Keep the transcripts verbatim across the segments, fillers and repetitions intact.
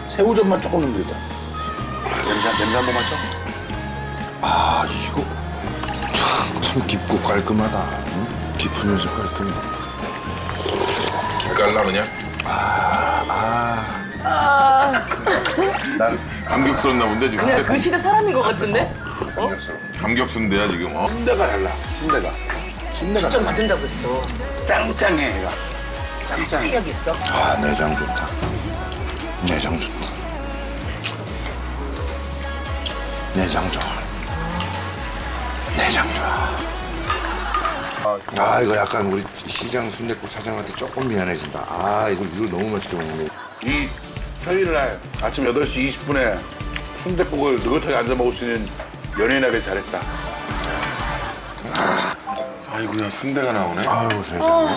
새우젓만 조금 넣으면 되겠다. 냄새, 냄새 한 번만 쳐. 아, 이거 참, 참 깊고 깔끔하다. 응? 깊으면서 깔끔해. 기깔나 그냥. 아, 아. 난 감격스럽나 본데 지금. 그냥 그 시대 사람인 것 같은데? 감격스러운데야 지금. 어? 순대가 달라. 순대가. 순대가 좀 달라. 받는다고 했어. 짱짱해, 얘가. 짱짱해. 탄력 있어. 아, 내장 좋다. 내장 좋다. 내장 좋아. 내장 좋아. 아, 이거 약간 우리 시장 순댓국 사장한테 조금 미안해진다. 아, 이거 이걸 너무 맛있게 먹네. 이 평일날 아침 여덟 시 이십 분에 순댓국을 느긋하게 앉아 먹을 수 있는 연예인에게 잘했다. 아이고야 순대가 나오네. 아유, 세상에.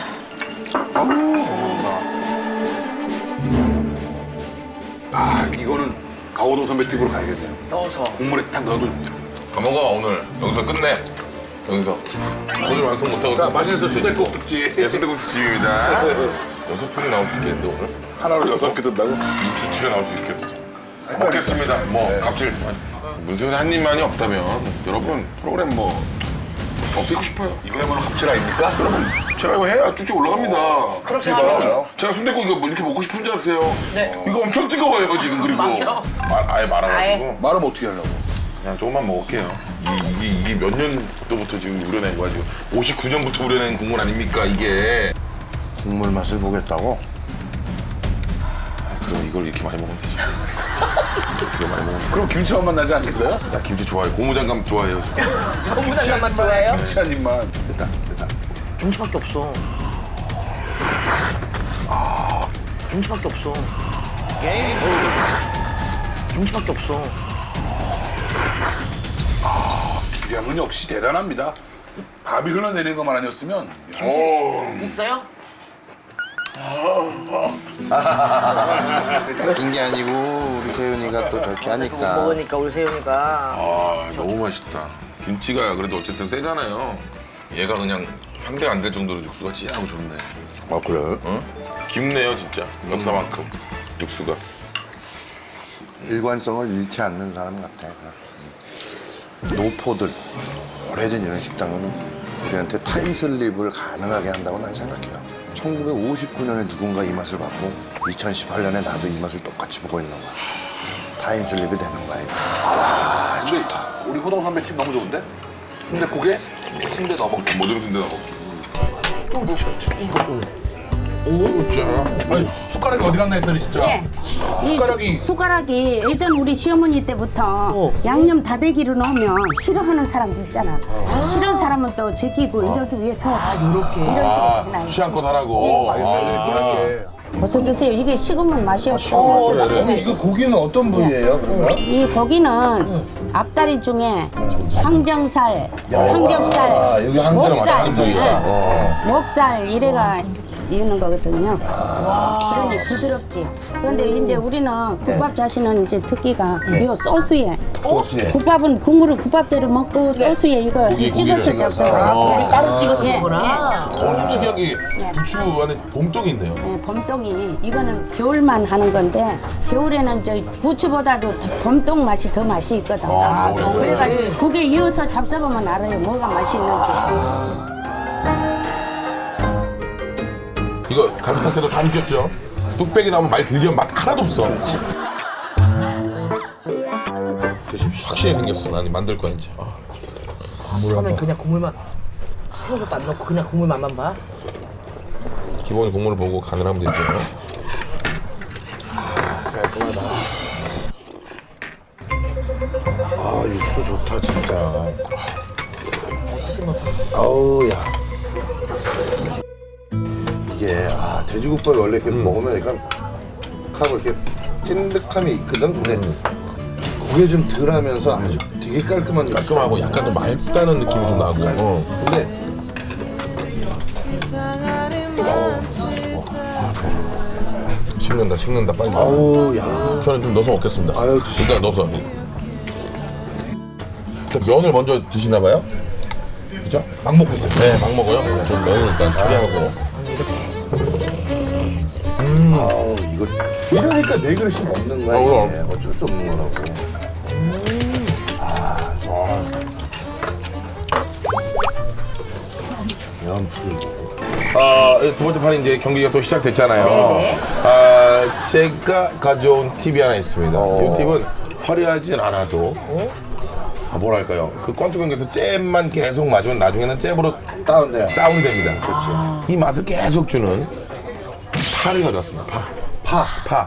아, 이거는 강호동 선배 집으로 가야겠네요. 넣어서. 국물에 딱 넣어도. 다 먹어 오늘. 여기서 끝내. 여기서. 오늘 완성 못하고. 자, 맛있는 순댓국집. 예, 순대국 집입니다. 여섯 편이 나올 수 있겠는데 오늘? 하나로 여섯 개 든다고? 인추치가 나올 수 있겠어. 먹겠습니다. 뭐 갑질. 문세윤 한 입만이 없다면 여러분 프로그램 뭐 없애고 싶어요. 이거야말로 갑질 아닙니까? 그러면 제가 이거 해야 쭉쭉 올라갑니다. 그렇게 하면. 제가 순댓국 이거 뭐 이렇게 먹고 싶은 줄 아세요? 네. 이거 엄청 뜨거워요 지금 그리고. 맞죠? 말, 아예 말아가지고. 말하면 어떻게 하려고? 그냥 조금만 먹을게요. 이게, 이게, 이게 몇 년도부터 지금 우려낸 거야 지금. 오십구 년부터 우려낸 국물 아닙니까 이게. 국물 맛을 보겠다고? 아, 그럼 이걸 이렇게 많이 먹으면 되죠. 이렇게 많이 먹으면. 그럼 김치 한 번 나지 않겠어요? 나 김치 좋아해요. 고무장갑 좋아해요. 고무장갑만 좋아해요? 김치 한 입만. 됐다, 됐다. 김치밖에 없어. 아, 김치밖에 없어. 김치밖에 없어. 기량은 역시 대단합니다. 밥이 흘러내리는 것만 아니었으면. 있어요? 웃긴 게 아니고 우리 세윤이가 또 저렇게 못 하니까. 먹으니까 우리 세윤이가. 아 너무 맛있다. 김치가 그래도 어쨌든 세잖아요. 얘가 그냥 상대가 안 될 정도로 육수가 찌하고 좋네. 아, 그래? 어? 깊네요 진짜. 역사만큼 육수가. 일관성을 잃지 않는 사람 같아. 노포들, 오래된 이런 식당은 우리한테 타임슬립을 가능하게 한다고 난 생각해요. 천구백오십구 년에 누군가 이 맛을 봤고 이천십팔 년에 나도 이 맛을 똑같이 보고 있는 거야. 타임슬립이 되는 거야, 이거. 아, 근데 우리 호동 선배 팀 너무 좋은데? 순댓국에 순대 넣어 먹기. 모든 순대 넣어먹기. 오, 자. 아니, 숟가락이 어디 갔나 했더니 진짜. 예. 숟가락이- 이 수- 숟가락이 예전 우리 시어머니 때부터 양념 다대기로 넣으면 싫어하는 사람도 있잖아. 싫어하는 사람은 또 제끼고 이러기 위해서 이렇게 이런 식으로 아 해놔요. 취향껏 하라고. 아. 어서 드세요. 이게 식으면 맛이 없어. 그래, 그래. 이거 고기는 어떤 부위예요, 그러면? 이 고기는 앞다리 중에 항정살, 삼겹살, 아, 여기 항정 맞아, 목살, 항정이다. 예. 어. 목살 이래가 이는 거거든요. 그러니 부드럽지. 그런데 이제 우리는 국밥 자시는 이제 특기가 이 소스에 소스에. 국밥은 국물을 국밥대로 먹고 소스에 이거 고기, 찍어서 고기를 잡숴요. 어. 따로 찍어서 예, 먹구나. 어, 특이한 게 부추 안에 봄떡이 있네요. 예, 봄동이 이거는 겨울만 하는 건데 겨울에는 저 부추보다도 더 봄동 맛이 더 맛이 있거든. 아, 겨울에. 그래가지고 국에 이어서 잡숴보면 알아요. 뭐가 맛이 있는지. 이거 감탄태도 다 느꼈죠? 뚝배기 나오면 말 길게 하면 맛 하나도 없어. 확실히 생겼어. 난 만들 거야 이제. 아. 처음엔 그냥 국물만 새우젓도 안 넣고 그냥 국물 맛만 봐. 기본의 국물을 보고 간을 하면 되죠. 아, 육수 좋다, 진짜. 아우, 야. 이게, 아, 돼지국밥을 원래 이렇게 먹으면 약간, 하고 이렇게 찐득함이 있거든? 근데 그게 좀 덜 하면서 아주 되게 깔끔한 육수. 깔끔하고 약간 좀 맑다는 느낌이 좀 나고. 어. 근데, 식는다 식는다 빨리. 아우, 야. 저는 좀 넣어서 먹겠습니다. 아유, 드시- 일단 넣어서. 일단 면을 먼저 드시나 봐요? 그죠? 막 먹고 있어요. 네, 막 먹어요. 저 면을 일단 초리하고. 아우, 이거 이러니까 네 그릇씩 먹는 거야. 어, 이게. 어쩔 수 없는 거라고. 아, 아, 두 번째 판이 이제 경기가 또 시작됐잖아요. 아, 제가 가져온 팁이 하나 있습니다. 이 팁은 화려하진 않아도 아, 뭐랄까요? 그 권투 경기에서 잽만 계속 맞으면 나중에는 잽으로 다운돼. 다운이 됩니다. 이 맛을 계속 주는 파를 가져왔습니다. 파. 파. 파.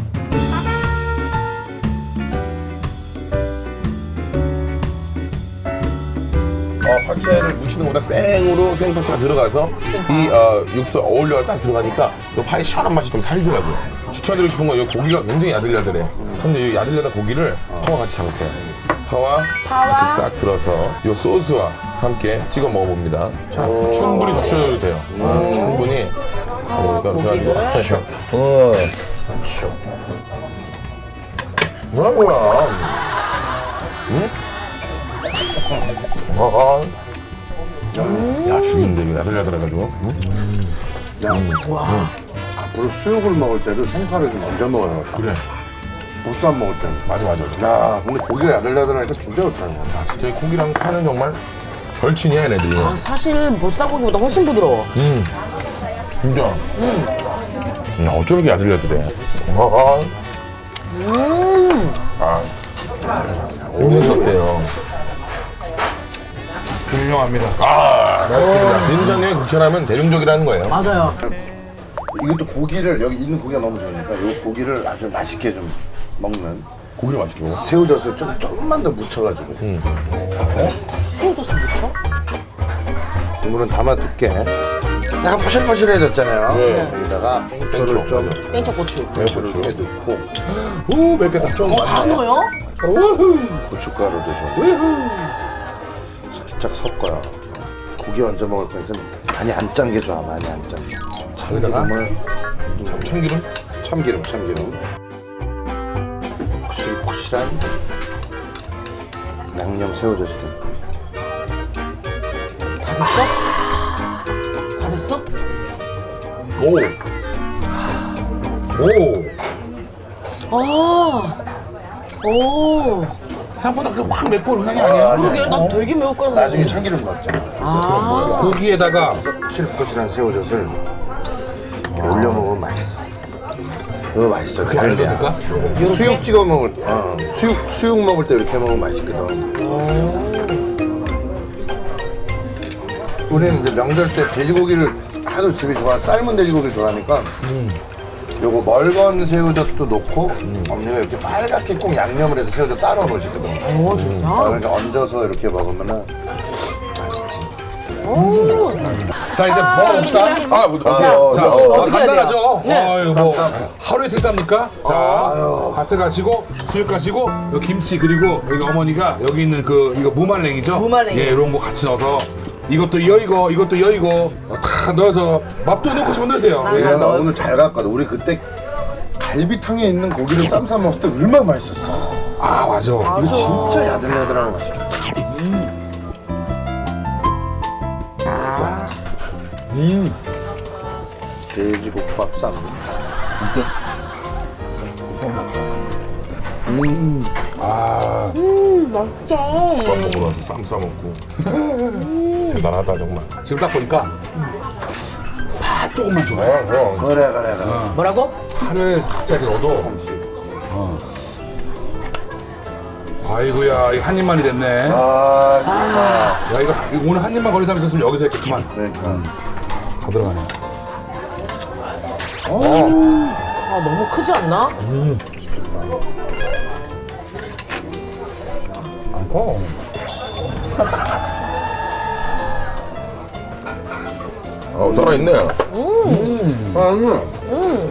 어, 파채를 무치는 것보다 생으로 생파채가 들어가서 이 어, 육수에 어울려 딱 들어가니까 그 파의 시원한 맛이 좀 살더라고요. 추천드리고 싶은 건 이 고기가 굉장히 야들야들해요. 근데 이 야들야들 고기를 파와 같이 잡았어요. 파와, 같이 싹 들어서 이 소스와 함께 찍어 먹어봅니다. 자, 충분히 적셔도 돼요. 어, 충분히. 그러니까 이렇게 해가지고. 어. 뭐야, 뭐야. 응? 아, 야, 죽인데, 이거 야들야들해가지고. 응? 야, 앞으로 수육을 먹을 때도 생파를 좀 얹어 먹어야 겠다. 그래. 보쌈 먹을 때. 맞아, 맞아. 맞아. 야, 근데 고기가 야들야들하니까 진짜 좋다. 이거. 아, 진짜 이 고기랑 파는 정말 절친이야, 얘네들이. 아, 사실 보쌈고기보다 훨씬 부드러워. 음, 진짜. 음. 야, 어쩜 이렇게 야들야들해. 아, 음. 아. 오늘 어때요? 훌륭합니다. 아, 맞습니다. 된장에 극찬하면 대중적이라는 거예요. 맞아요. 이것도 고기를, 여기 있는 고기가 너무 좋으니까 이 고기를 아주 맛있게 좀 먹는 고기를 맛있게 먹어. 새우젓을 좀 조금만 더 묻혀가지고. 새우젓을 묻혀? 국물은 담아둘게. 약간 포실포실해졌잖아요. 네. 여기다가 고추를 좀 땡초고추. 매고추. 이렇게 넣고 오, 맵겠다. 좀 어, 다 넣어요? 고춧가루도 좀 살짝 섞어요. 고기 얹어 먹을 거니까 많이 안 짠 게 좋아. 많이 안 짠. 참기름을 참기름? 참기름 참기름 포실포실한 양념 새우젓이든. 다 됐어? 다 됐어? 오. 오. 아. 오. 생각보다 그렇게 확 맵고 향이 아니야. 그러게, 난 되게 매울 거라고. 나중에 참기름 넣었잖아. 고기에다가 포실포실한 새우젓을 이렇게 올려 먹으면 맛있어. 이거 맛있어. 갈비야. 수육 찍어 먹을 때, 어, 수육 수육 먹을 때 이렇게 먹으면 맛있거든. 우리는 이제 명절 때 돼지고기를 하도 집이 좋아, 삶은 돼지고기를 좋아하니까 요거 멀건 새우젓도 넣고 언니가 이렇게 빨갛게 꼭 양념을 해서 새우젓 따로 넣으시거든. 오, 진짜? 아, 그러니까 얹어서 이렇게 먹으면은 맛있지. 자, 이제 먹어봅시다. 아, 뭐, 어떻게? 어, 자, 어, 어, 어떻게 간단하죠? 어, 이거 뭐 쌈. 하루에 특사입니까? 자, 밭에 가시고 수육 가시고 여기 김치 그리고 여기 어머니가 여기 있는 그 이거 무말랭이죠? 무말랭이. 예, 이런 거 같이 넣어서 이것도 이어 이거 이것도 이어 이거 다 넣어서 밥도 넣고 싶으면 넣으세요. 예. 내가 오늘 잘 갔거든. 우리 그때 갈비탕에 있는 고기를 쌈 싸 먹을 때 얼마나 맛있었어. 아, 맞아. 이거 진짜 야들야들하고 맛있겠다. 음. 돼지국밥 쌈. 진짜. 밥 먹으러 와서 쌈 싸먹고. 대단하다, 정말. 지금 딱 보니까 파 조금만 줘요. 어, 그럼. 그래 그래 그래. 뭐라고? 파를 갑자기 넣어도. 어. 아이고야, 이거 한 입만이 됐네. 아 좋다. 야, 이거 이거 오늘 한 입만 걸린 사람 있었으면 여기서 했겠구만. 그러니까. 다 들어가네. 아, 너무 크지 않나? 어. 어, 살아있네. 아, 음.